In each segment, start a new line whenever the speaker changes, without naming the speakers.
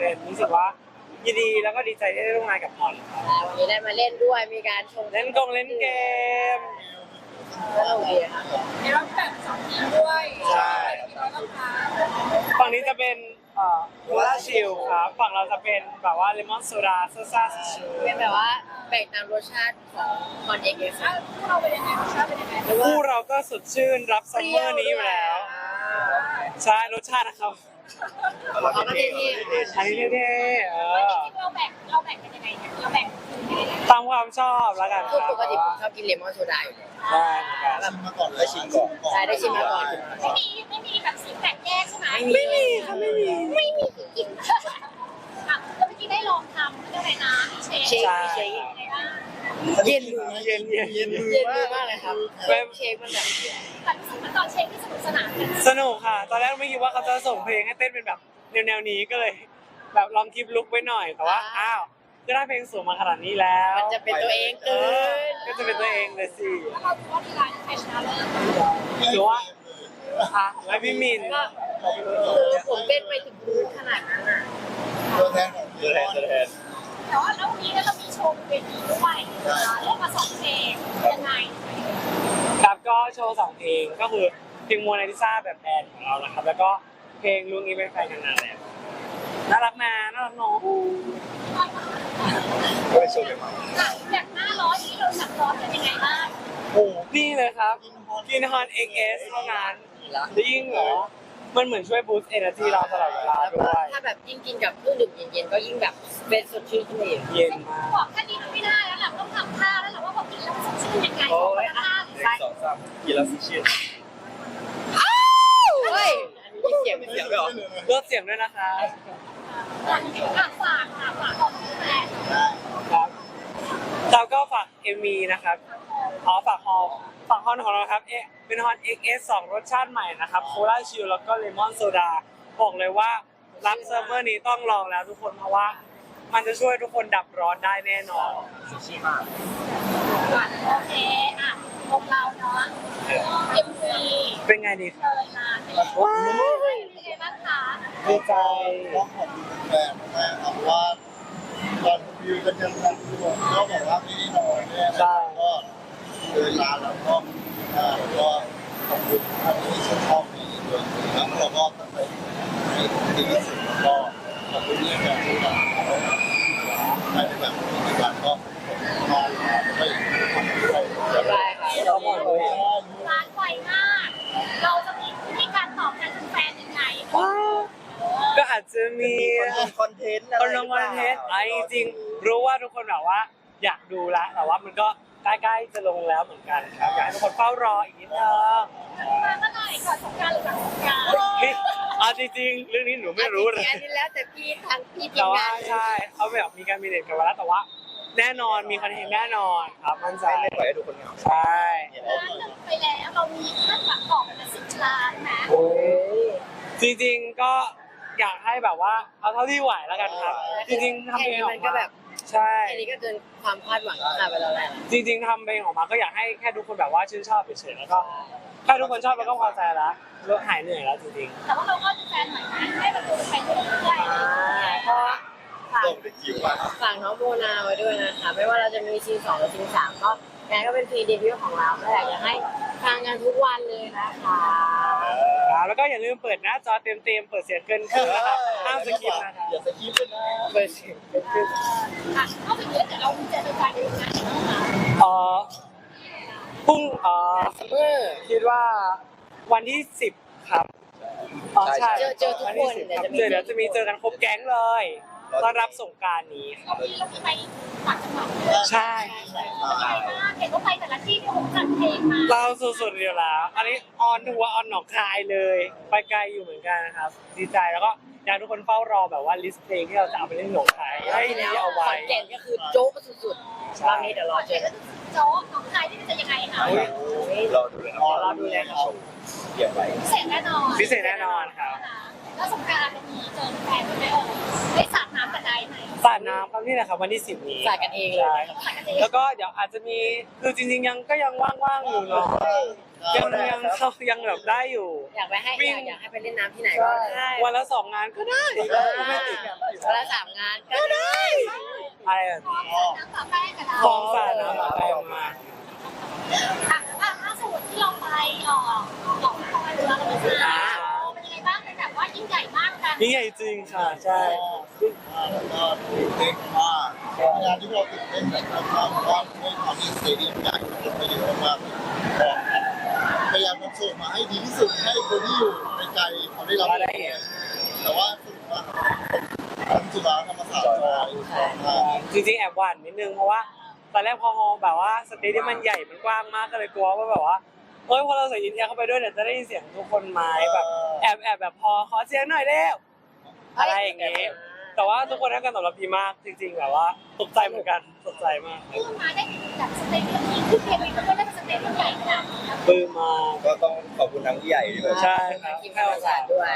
เป็นรู้สึกว่ายินดีแล้วก็ดีใจที่ได้ร่วมงานกับออนครับ
วันนี้ได้มาเล่นด้วยมีการชม
เล่นเกม
ก็โอเคค่ะ
เดี๋ยวเราแบ่ง2 ทีมด้วย
ใช่
ทีมละราคา
ฝั่งนี้จะเป็นโคลาชิลครับฝั่งเราจะเป็นแบบว่าเลมอนโซดาซ่าชิล
เป็นแบบว่าแบ่งตามรสชาติของคอนเอ็กซ์
พวกเราเป็นยังไงรสชาติเป็นยังไง
คู่เราก็สดชื่นรับซัมเมอร์นี้อยู่แล้วใช่รสชาตินะครับ
เขาก็เท่
อันนี้เท่ๆ
เราแบ่งกันยังไงเนี่ยเราแบ่งทีมยังไง
ตามความชอบแล้วกัน
ๆ
ค
คือ
รับ
ปกติผมชอบกินเลมอนโซดาอยู่แล้ว
ได้เหมือนกัน
ชิมมาก่อนเลยชิมก่อน
ใช่ได้ชิมมาก่อน
ไม่มีแบบสีแบ่งแยกใช่ไหม
ไม่มีค่ะไม่มี
ไม่มีกินแล้วเมื่อกี้ได้ลองทำด้วยนะเชฟ
เชคเชคเย็นมือ
เย็น
เย็นมือมากเลยครับเชคมันแบบ
แต่รู้สึกว่าตอนเชฟที่สนุกสนานกัน
สนุกค่ะ ตอนแรกไม่คิดว่าเขาจะส่งเพลงให้เต้นเป็นแบบแนวนี้ก็เลย แบบลองคลิปลุกไว้หน่อยแต่ว่าอ้าวก็ได้เพลงสูงมาขนาดนี้แล้ว
มันจะเป็นตัวเองเกิน
ก็จะเป็นตัวเองเลยสิ
แล้วเราดูว่าดีไลน์ใครชนะเลิศ
หรือว่าและพี่มิน
ก็คือผมเต้นไปถึงพื้นขนาดนั้นอ่ะ
ตัวแทนของตัวแทน
แต่ว่าแล้ววันนี้เรามีโชว์เวทีด้วยเล่นมา2 เพลงยังไง
ครับก็โชว์2เพลงก็คือเพลงโมนาลิซาแบบแบนของเรานะครับแล้วก็เพลงลุงนี้เป็นแฟนกันนานแล้วน่ารักนะน่ารักน้อง
ก็ไปโชว์กันมา
แบบหน้าร้อนที่เราหนักร้อนเป็นยังไงบ้าง
โอ้นี่เลยครับกินฮอน XS เท่านั้นยิ่งเหรอมันเหมือนช่วยบูสต์เอเนอร์จีเราตลอดเวลา
แล้ว
ด้
ก็
วย
ถ้าแบบยิ่งกินกับเครื่องดื่มเย็นๆก็ยิ่งแบบเป็นสดชื่นขึ้นอีก
เย็นมาก
บอกแค่นี้ไม่ได้แล้วแหละต้องทำท่าแล้วแหละว่าพอกินแล้วมันสดชื่นยังไงท่า
1 2 3กินแล้วชื่น
เฮ้ยมีเสียง
เสียงไม่ออก
ลดเสียงด้วยนะคะ
ฝากของแฟน
ครับเราก็ฝาก MV นะครับฝากฮอลของเราครับเป็นฮอน XS 2 รสชาติใหม่นะครับโคลาชิลแล้วก็เลมอนโซดาบอกเลยว่ารับซัมเมอร์นี้ต้องลองแล้วทุกคนเพราะว่ามันจะช่วยทุกคนดับร้อนได้แน่นอน
ชิมมาก
โอเคอ่ะพวกเราเนาะ MV
เป็นไงดีครับ
เลยนานเป็นไงบ้างคะ
ดีใจ
ต้องขอบคุณแฟนมากครับว่าตอนวิวกันยังรักอยู่ก็บอกว่าไม่ได้นอนเนี่ยนะครับก็เดินลาแล้วก็แล้วก็ขอบคุณท่านที่ชื่นชอบในตัวจริงแล้วเราก็ตั้งใจให้ดีที่สุดแล้วก็ขอบคุณที่แบบที่เราได้แบบในการก็นอนไม่ทำด้วย
บายค่ะ
เราบอกเลย
ร้านไวมาก เราจะมีวิธีการตอบแทนแฟนยังไง
ก็อาจจะมี
คอนเทนต์
คนลงวันเทสไอ้จริงรู้ว่าทุกคนแบบว่าอยากดูแล้วแต่ว่ามันก็ใกล้ๆจะลงแล้วเหมือนกันครับอยากให้ทุกคนเฝ้ารออีกนิดนึง
มาเมื่อไหร่ก่อนสงกรานต์หรือหลังสงกรานต์
เอาจริงๆเรื่องนี้หนูไม่รู้เลย
อันนี้แล้วแต่พี่ทางพี่ที
แต่
ม
ว่าง
าน
ใช่เขาแบบมีการมีเด็ดกันมาแล้วแต่ว่า แน่นอนมีคอนเทนต์แน่นอนครับมั่นใจ
ไม่ปล่อยให้ดูคนเหงา
ใช่
ร้านหนึ่งไปแล้วเรามีคาดหวังต่อเป็น10 ล้านนะ
โอ้ยจริงๆก็อยากให้แบบว่าเอาเท่าที่ไหวแล้วกันครับ จริงๆทำเพลงออ
มัน
ก
ก็
มา
แบบ
ใช่
อันนี้ก็เกินความคาดหวังค่ะไปแล้วแหละ
จริงๆทำเพลงออกมาก็อยากให้แค่ทุกคนแบบว่าชื่นชอบเฉยๆแล้วก็ถ้าทุกคนชอบเราก็พอใจแล้วเราหายเหนื่อยแล้วจริง
แต่ว่าเราก็จะแฟนหน่อยนะให้แบบดูไปเรื่อยๆ
ก็ฝาก
ลงไปคิวว่า
ฝากน้องโมนาไว้ด้วยนะคะไม่ว่าเราจะมีซี2หรือซี3ก็งานก็เป็นพรีเดบิวต์ของเราก็อยากจะให้ฟังกันทุกวันเลยนะคะ
ๆแล้วก็อย่าลืมเปิดหน้าจอเต็มๆเปิดเสียงเกินครึ่งนะคะห้ามสกิปนะคะ
อย่าสกิปเลยนะ
เปิดเสียงเกินครึ่ง
อ่ะนอกจากนี้เดี๋ยวเราจะไปดูงานอีกนะคะ
พรุ่ง
ซัมเมอร์
คิดว่าวันที่10ครับใช่
เจอทุกคน
เดี๋ยวจะมีเจอกันครบแก๊งเลยต้อนรับสงกรานต์นี้ครับ
วันนี้เรามีไปต่างจังหวัดด้วย
ใช่
ไปมากเห็นว่าไปแต่ละที่ที่ผมจัดเพลงมา
เราสุดๆเดียวแล้ว อันนี้ออนทัวร์ออนหนองคายเลย ไปไกลอยู่เหมือนกันนะครับ ดีใจแล้วก็อยากให้ทุกคนเฝ้ารอแบบว่าลิสต์เพลงที่เราจะเอาไปเล่นหนองคายให้ดีเอา
ข
ไว้
อนแก่นก็คือโจ๊กสุดๆรอบนี้เดี๋ยวรอเจอกัน
โจ๊กน้องชายที่จะยังไงคะ
เราดูเลยนะเกี่ยวไป
พิเศษแน่นอน
พิเศษแน่นอนครับ
แล้วสงกรานต์มีเจอแฟนไหมได้สาดน้ำกันได้ไหม
สาดน้ำครับนี่แหละครับวันที่10นี้
สาดกันเองเลย
ใช่ครับแล้วก็เดี๋ยวอาจจะมีคือจริงๆยังว่างๆอยู่เนาะยังแบบได้อยู่
อยากไปให้
วิ่ง
อยากให้ไปเล่นน้ำที่ไหนก็ได้
วันละ2 งานก็ได้ก็ไม่ติด
วันละ3 งานก็ได้
อะไรแบบ
พร้อม
นี้
น้ำต่อแป้งกับเรา
คลองสาดน้ำแปลมา
ล่าสุดที่เราไปหลอกคอยเรือเราไปซื้อเป็นยังไงบ้างเป็นแบบว่ายิ่งใหญ่มากกัน
ยิ่งใหญ่จริงค่ะใช่
แล้วก็ตื่นเต้นมากงานที่เราตื่นเต้นแบบมากเพราะว่าด้วยความที่สเตเดียมใหญ่คนไปเยอะมากพยายามทำโชว์มาให้ดีที่สุดให้คนที่อยู่ไกลๆเขาได้รับแต่ว่าสรุปว่าจุฬาธรรมศาสตร์จอย
จริงๆแอบหวั่นนิดนึงเพราะว่าตอนแรกพอแบบว่าสเตเดียมมันใหญ่มันกว้างมากก็เลยกลัวว่าแบบว่าเฮ้ยพอเราใส่ยินเอียร์เข้าไปด้วยเดี๋ยวจะได้ยินเสียงทุกคนไหมแบบแอบแบบพอขอเสียงหน่อยเร็วอะไรอย่างงี้แต่ว่าทุกคนให้การตอบรับดีมากจริงๆแบบว่าตกใจเหมือนกันตกใจมาก
คือมาได้แบบสเตจที่คือเกมนี้มันก็ได้เป็นสเตจที่ใหญ่ขนาดนี้
ปลื้มมาก
ก็ต้องขอบคุณทั้งผู้ใหญ่ด้วย
ใช่ครับ
ทีมธรรมศาสตร์ด้วย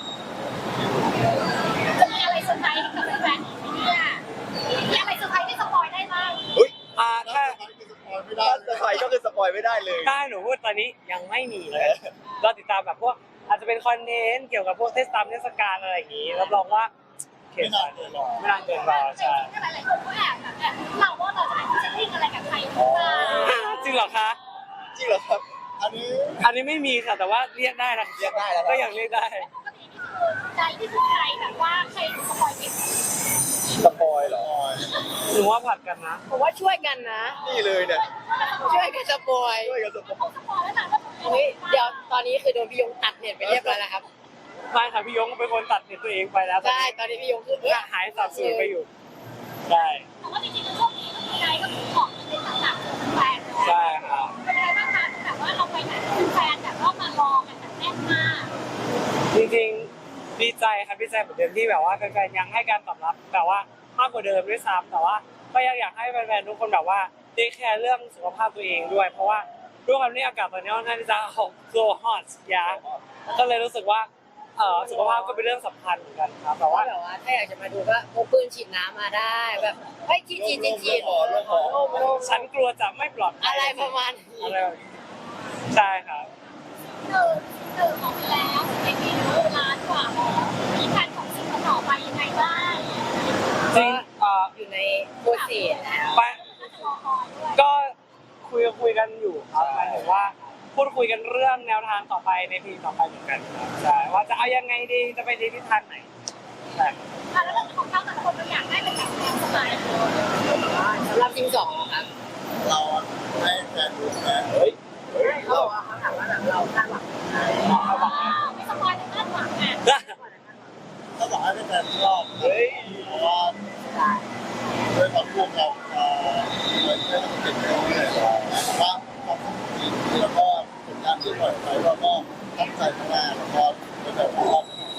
จะมีอะไรเซอร์ไพรส์กับแฟนๆเนี่ยมีอะไรเซอร์ไพรส์ที่สปอยได้บ้าง
ถ้า
ไม่ได้
ถ้าสปอยก็คือสปอยไม่ได้เลย
ถ้าหนูพูดตอนนี้ยังไม่มีเลยเราติดตามแบบพวกอาจจะเป็นคอนเทนต์เกี่ยวกับพวกเทศกาลอะไรอย่างงี้รับรองว่าเข็
ไม่
ม
นานเกินหรอก
ไม่นานเกินรอ
แต่
ใช่
จริงๆหลายๆคนก็แอบเราว่าเราจะไปที่จะวิ่งอะไรกับใครหรือเปล่า
จริงเหรอคะ
จริงเหรอครับ
อันนี้
อันนี้ไม่มีค่ะแต่ว่าเรียกได้นะ
เรียกได้แล้วครับ
ก็ยังเรียกได้
ปกตินี่คือใจที่คือใครแบบว่าใครสปอยเก่ง
สปอยเหรอ
หนูว่าผัดกันนะ
ผมว่าช่วยกันนะ
นี่เลยเนี่ย
ช่วยกันสปอย
ช่วยกันสปอย
สปอยแล้วนะว่า
เฮ้ยเดี๋ยวตอนนี้คือโดนพี่ยงตัดเน็ตไปเรียบร้อยแล้วครับ
ไม่ค่ะพี่ยงเป็นคนตัดเน็ตตัวเองไปแล้ว
ใช่ตอนนี้พี่ยงคือ
หายสับสูญไปอยู่ใช่
แต่ว่าจริงๆแล้วช่วงนี้ก็คือใจก็คือของในต่างๆของแฟนเนาะ
ใช่ครับ
เป็นยังไงบ้างคะแบบว่าเราไปไหนแฟนแบบว่ามารอกันแบบแน่นมาก
จริงๆดีใจครับดีใจเหมือนเดิมที่แบบว่าแฟนๆยังให้การตอบรับแบบว่ามากกว่าเดิมด้วยซ้ำแต่ว่าก็ยังอยากให้แฟนๆทุกคนแบบว่าได้แคร์เรื่องสุขภาพตัวเองด้วย เพราะว่าด้วยความที่อากาศตอนนี้ค่อนข้างที่จะso hot ยาก็เลยรู้สึกว่าสุขภาพก็เป็นเรื่องสำคัญเหมือนกันครับแต่
แต่ว่า
ว่า
แบบว่าถ้าอยากจะมาดูก็พกปืนฉีดน้ำมาได้แบบเฮ้ยฉีดโล่ง
ฉันกลัวจะไม่ปลอดภัย
อะไรประมาณนี้
อะไรแบบนี้ใช่ครับ
ตื่นออกไปแล้วในปีนี้ล้านกว่าแล้วมีแฟนของสิ่งต่อไปยังไงบ้าง
จริง
อยู่ในโปรเซสแล้ว
ไป
ก็จะรอคอยด้วย
ก็คุยกันอยู่ครับหมายถึงว่าพูดคุยกันเรื่องแนวทางต่อไปในปีต่อไปเหมือนกันครับใช่ว่าจะเอายังไงดีจะไปในทิศทางไหนใช่
แล้วเรื่องของเขาแต่ละคนเราอยากได้เป็นแบบแนวสไตล์
สำหรับทีม2ครับ
เราให้แฟนดูแฟน
เฮ้ย
เขาบอกว่าเขาถามว่าแบบเราคาดหวังอะไร
ไม่สปอยในคาดหวังอ่ะ
ถ้าบอกให้แฟนชอบเพราะว่าด้วยความร่วมเราเหมือนได้เก็บเงินเลยว่าความสนุกดีแล้วก็ผลงานที่ปล่อยไปเราก็ตั้งใจทำงานแล้วก็เป็นแบบรอบ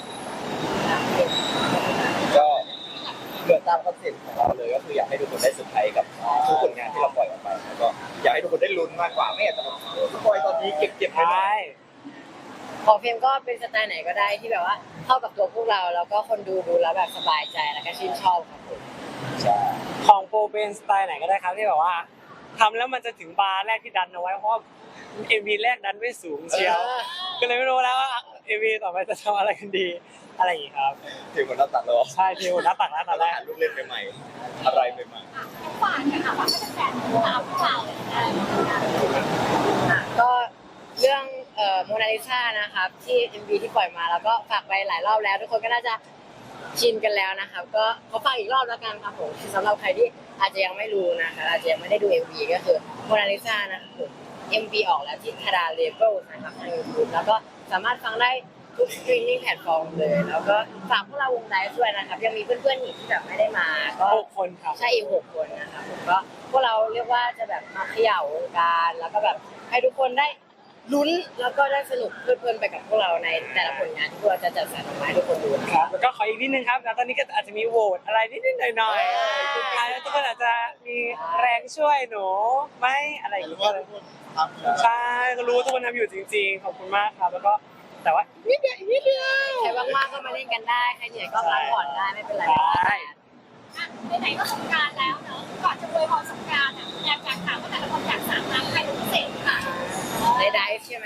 ก็เหมือนตามคอนเซ็ปต์ของเราเลยก็คืออยากให้ทุกคนได้เซอร์ไพรส์กับทุกผลงานที่เราปล่อยออกไปแล้วก็อยากให้ทุกคนได้ลุ้นมากกว่าไม่อยากจะแบบสปอยตอนนี้เก็บๆไปหน่อย
ของเฟรมก็เป็นสไตล์ไหนก็ได้ที่แบบว่าเข้ากับตัวพวกเราแล้วก็คนดูแล้วแบบสบายใจแล้วก็ชื่นชอบครับผม
ใช่
ของโปรเป็นสไตล์ไหนก็ได้ครับที่แบบว่าทำแล้วมันจะถึงบาร์แรกที่ดันเอาไว้เพราะเอ็มวีแรกดันไม่สูงเชียวก็เลยไม่รู้แล้วว่าเอ็มวีต่อไปจะทำอะไรกันดีอะไรอย่างงี้ครับ
ถึงคนนับตัดแล้ว
ใช่ทีหน้าตักหน้าตาแรก
หาลูกเล่นใหม่ๆอะไรใหม่
ฝากกันค่ะว่าถ้าเป็นแฟนตามพวกเราอะไรอย่างเงี้ย
ก็เรื่องโมนาลิซานะครับที่ MV ที่ปล่อยมาแล้วก็ฝากไปหลายรอบแล้วทุกคนก็น่าจะชินกันแล้วนะครับก็ขอฝากอีกรอบแล้วกันครับผมสำหรับใครที่อาจจะยังไม่รู้นะคะอาจจะยังไม่ได้ดู MV ก็คือโมนาลิซานะครับผม MV ออกแล้วที่คาราเลเบิลนะครับทาง YouTube แล้วก็สามารถฟังได้ทุกสตรีมมิ่งแพลตฟอร์มเลยแล้วก็ฝากพวกเราวงไดฟ์ด้วยนะครับยังมีเพื่อนๆอีกที่แบบไม่ได้มาก็
6 คนครับ
ใช่อีก6 คนนะครับผมก็พวกเราเรียกว่าจะแบบมาเขย่าวงการแล้วก็แบบให้ทุกคนได้ลุ้นแล้วก็ได้สนุกเพลินๆไปกับพวกเราในแต่ละผลงานที่พวกเราจะจัดสรรออกมาให้ทุกคนดูนะ
ครับแล้วก็ขออีกนิดนึงครับแล้วตอนนี้ก็อาจจะมีโหวตอะไรนิดๆหน่อยๆสุดท้ายแล้วทุกคนอาจจะมีแรงช่วยหนูไหมอะไรอย่าง
หรือ
เงี้
ว่าย ทุกคนทำอยู่
ใช่ก็รู้ว่าทุกคนทำอยู่จริงๆขอบคุณมากครับแล้วก็แต่ว่านิดเดียวอีกนิดเดียว
ใครว่างๆก็มาเล่นกันได้ใครเหนื่อยก็พักผ่อนได้ไม่เป็นไร
ใช่
ไหนๆก็สงกรานต์แล้วเนอะก่อนจะอวยพรสงกรานต์อ่ะอยากถามว่าแต่ละคนอยากสามครั้งใครเป็นพิเศษค่ะ
ในไดฟ์ใช่ไหม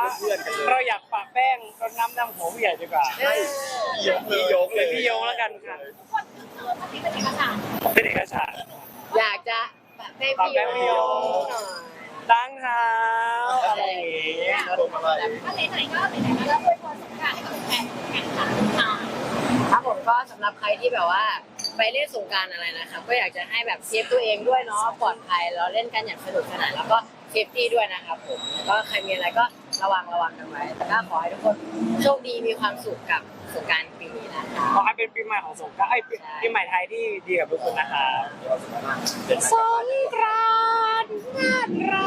เพื่อนกันเลย
เราอยากปะแป้งรดน้ำดำหัวผู้ใหญ่ดีกว่า
พี่โยกเลย
พี่โยงแล้วกันค่ะ
ทุกคนคือมันเป็นเอกสาร
เป็นเอกสาร
อยากจะแบบให้พี่โยหน่อย
ล้างเท้าอะไรอย่างเงี้ย
พวงมาลัย
ถ้าไหนๆก็ไหนๆก็ด้วยความสงกรานต์ให้กับแฟนแข่งขันค่ะ
ครับผมก็สำหรับใครที่แบบว่าไปเล่นสงกรานต์อะไรนะครับก็อยากจะให้แบบเซฟตัวเองด้วยเนาะปลอดภัยเราเล่นกันอย่างสนุกสนานแล้วก็เซฟตี้ด้วยนะครับผมแล้วก็ใครมีอะไรก็ระวังกันไว้แต่ก็ขอให้ทุกคนโชคดีมีความสุขกับสงกรานต์ปีนี้นะคะ
ขอให้เป็นปีใหม่ของสงกรานต์ปีใหม่ไทยที่ดีกับทุกคนนะครับ
เป็น
สงกรานต์น่ารั